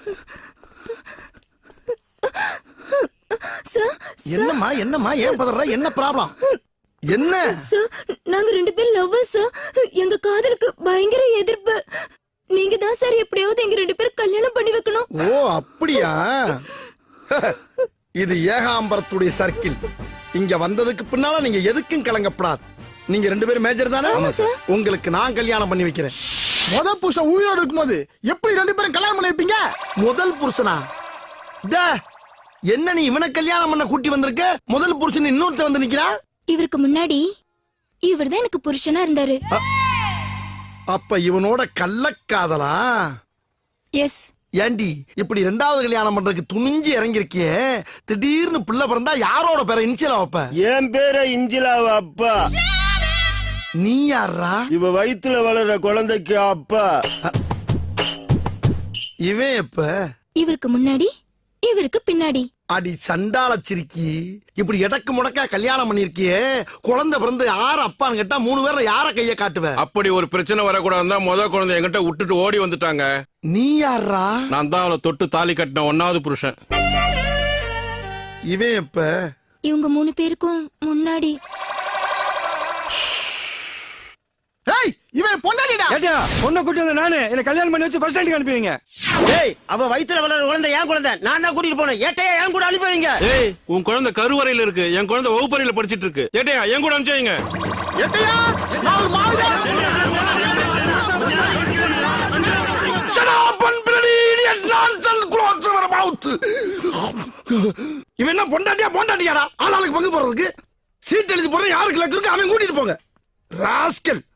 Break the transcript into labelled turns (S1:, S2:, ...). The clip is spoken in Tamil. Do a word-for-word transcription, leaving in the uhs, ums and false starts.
S1: என்னம்மா என்னம்மா ஏன் பதற? என்ன ப்ராப்ளம்? என்ன
S2: சார், நாங்க ரெண்டு பேரும் லவ்வர்ஸ் சார். எங்க காதலுக்கு பயங்கர எதிர்ப்பு. நீங்க தான் சார் எப்படியாவது எங்க ரெண்டு பேரும் கல்யாணம் பண்ணி வைக்கணும்.
S1: ஓ அப்படியா? இது ஏகாம்பரத்துடைய சர்க்கிள். இங்க வந்ததுக்கு பின்னால நீங்க எதுக்கும் கலங்கப்படாது. நீங்க ரெண்டு பேரும் மேஜர் தானே? உங்களுக்கு நான் கல்யாணம் பண்ணி வைக்கிறேன்.
S3: முதல் புருஷன் உயிரோடு இருக்கும்போது எப்படி ரெண்டு பேரும் கல்யாணம் பண்ணி வைப்பீங்க?
S1: முதல் புருஷனா? என்ன நீ இவனை கல்யாணம் பண்ண கூட்டி வந்திருக்க? முதல் புருஷன் இன்னொருத்த வந்து நிக்கிறா.
S2: இவருக்கு முன்னாடி இவர் தான் எனக்கு புருஷனா இருந்தாரு.
S1: அப்ப இவனோட கள்ளக்காதலா?
S2: எஸ்.
S1: ஏண்டி இப்படி ரெண்டாவது கல்யாணம் பண்றதுக்கு துணிஞ்சு இறங்கிருக்கியே, திடீர்னு பிள்ளை பிறந்தா யாரோட பேரை இன்சிலா வைப்ப?
S4: என் பேரை இன்சிலாவா அப்பா?
S1: நீ யாரா?
S4: இவ வயித்துல வளர்ற குழந்தைக்கு அப்பா.
S1: இவன் எப்ப?
S2: இவருக்கு முன்னாடி இவருக்கு பின்னாடி.
S1: அடி சண்டால சிரிக்கி, இப்படி எடக்கு முடக்கா கல்யாணம் பண்ணிருக்கியே, குழந்தை பிறந்து யார அப்பான்னு கேட்டா மூணு பேர்ல யார கைய காட்டுவ?
S5: அப்படி ஒரு பிரச்சனை வரக்கூடாதுன்னா முத குழந்தை என்கிட்ட விட்டுட்டு ஓடி வந்துட்டாங்க.
S1: நீ யாரா?
S5: நான் தான் அவளை தொட்டு தாலி கட்டின ஒன்னாவது புருஷன்.
S1: இவன் எப்ப?
S2: இவங்க மூணு பேருக்கும் முன்னாடி.
S3: ஏய், இவன் பொண்டாட்டிடா.
S6: ஏட்டா, பொண்ணை கூட்டி வந்த நானு என்ன கல்யாணம் பண்ணி வச்சு ஃபர்ஸ்ட் ஸ்டாண்டுக்கு அனுப்புவீங்க?
S4: ஏய், அவ வயித்துல வளர்ற குழந்தை என் குழந்தை. நான் தான் கூட்டிட்டு போனேன். ஏட்டையா என் கூட அனுப்புவீங்க?
S5: ஏய், உன் குழந்தை கருவறையில இருக்கு, என் குழந்தை வகுப்பறையில படிச்சிட்டு இருக்கு. ஏட்டையா என் கூட அனுப்பிச்சீங்க?
S3: ஏட்டையா, நான் ஒரு Muawiya.
S1: Shut up and bloody idiot nonsense close your mouth. இவன் என்ன பொண்டாட்டியா பொண்டாட்டியாடா? ஆளாளுக்கு பங்கு போறதுக்கு சீட் எழுதி போற யாருக்கு லக்கு இருக்கு அவன் கூட்டிட்டு போங்க. ராஸ்கல்.